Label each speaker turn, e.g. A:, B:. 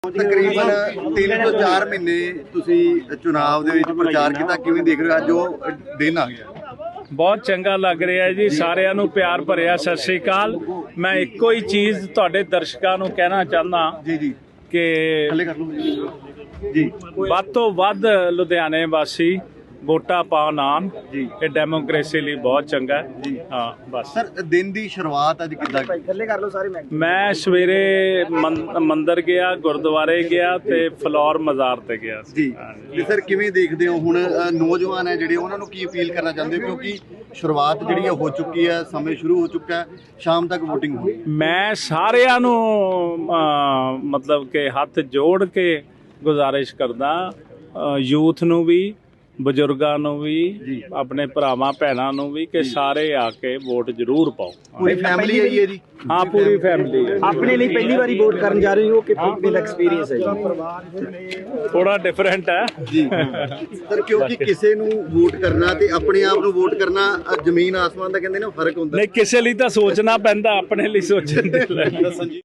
A: तकरीबन 3 ਤੋਂ 4 ਮਹੀਨੇ ਤੁਸੀਂ ਚੁਣਾਵ ਦੇ ਵਿੱਚ ਪ੍ਰਚਾਰ ਕੀਤਾ, ਕਿਵੇਂ ਦੇਖ ਰਹੇ ਹੋ ਅੱਜ ਉਹ ਦਿਨ ਆ ਗਿਆ?
B: ਬਹੁਤ ਚੰਗਾ ਲੱਗ ਰਿਹਾ ਹੈ ਜੀ। ਸਾਰਿਆਂ ਨੂੰ ਪਿਆਰ ਭਰਿਆ ਸਤਿ ਸ੍ਰੀ ਅਕਾਲ। ਮੈਂ ਇੱਕੋ ਹੀ ਚੀਜ਼ ਤੁਹਾਡੇ ਦਰਸ਼ਕਾਂ ਨੂੰ ਕਹਿਣਾ ਚਾਹੁੰਦਾ
A: ਜੀ
B: ਕਿ
A: ਥੱਲੇ ਕਰ ਲਓ ਜੀ।
B: ਵੱਧ ਤੋਂ ਵੱਧ ਲੁਧਿਆਣੇ ਵਾਸੀ ਵੋਟਾਂ ਪਾਉਣ ਆਉਣ ਜੀ। ਇਹ ਡੈਮੋਕ੍ਰੇਸੀ ਲਈ ਬਹੁਤ ਚੰਗਾ ਹੈ ਜੀ। ਹਾਂ ਬਸ
A: ਸਰ, ਦਿਨ ਦੀ ਸ਼ੁਰੂਆਤ ਅੱਜ ਕਿੱਦਾਂ?
C: ਥੱਲੇ ਕਰ ਲਓ ਸਾਰੇ।
B: ਮੈਂ ਸਵੇਰੇ ਮੰਦਿਰ ਗਿਆ, ਗੁਰਦੁਆਰੇ ਗਿਆ ਤੇ ਫਲੋਰ ਮਜ਼ਾਰ ਤੇ ਗਿਆ
A: ਜੀ। ਤੇ ਸਰ ਕਿਵੇਂ ਦੇਖਦੇ ਹੋ ਹੁਣ ਨੌਜਵਾਨ ਹੈ ਜਿਹੜੇ, ਉਹਨਾਂ ਨੂੰ ਕੀ ਅਪੀਲ ਕਰਨਾ ਚਾਹੁੰਦੇ ਹੋ? ਕਿਉਂਕਿ ਸ਼ੁਰੂਆਤ ਜਿਹੜੀ ਹੋ ਚੁੱਕੀ ਹੈ, ਸਮੇਂ ਸ਼ੁਰੂ ਹੋ ਚੁੱਕਾ ਹੈ, ਸ਼ਾਮ ਤੱਕ VOTING ਹੋਣੀ। ਮੈਂ
B: ਸਾਰਿਆਂ ਨੂੰ ਮਤਲਬ ਕਿ ਹੱਥ ਜੋੜ ਕੇ ਗੁਜ਼ਾਰਿਸ਼ ਕਰਦਾ, ਯੂਥ ਨੂੰ ਵੀ, ਬਜ਼ੁਰਗਾਂ ਨੂੰ ਵੀ, ਆਪਣੇ ਭਰਾਵਾਂ ਭੈਣਾਂ ਨੂੰ ਵੀ, ਕਿ ਸਾਰੇ ਆ ਕੇ ਵੋਟ ਜ਼ਰੂਰ ਪਾਓ।
A: ਪੂਰੀ ਫੈਮਿਲੀ ਆਈ ਹੈ ਜੀ?
B: ਹਾਂ, ਪੂਰੀ ਫੈਮਿਲੀ।
C: ਆਪਣੇ ਲਈ ਪਹਿਲੀ ਵਾਰੀ ਵੋਟ ਕਰਨ ਜਾ ਰਹੇ ਹੋ ਕਿ ਕਿੰਨਾ ਐਕਸਪੀਰੀਅੰਸ ਹੈ?
B: ਥੋੜਾ ਡਿਫਰੈਂਟ ਹੈ
A: ਜੀ ਸਰ, ਕਿਉਂਕਿ ਕਿਸੇ ਨੂੰ ਵੋਟ ਕਰਨਾ ਤੇ ਆਪਣੇ ਆਪ ਨੂੰ ਵੋਟ ਕਰਨਾ ਜ਼ਮੀਨ ਆਸਮਾਨ ਦਾ ਕਹਿੰਦੇ ਨੇ, ਫਰਕ ਹੁੰਦਾ।
B: ਨਹੀਂ, ਕਿਸੇ ਲਈ ਤਾਂ ਸੋਚਣਾ ਪੈਂਦਾ, ਆਪਣੇ ਲਈ ਸੋਚਣ ਦੇ ਲਈ।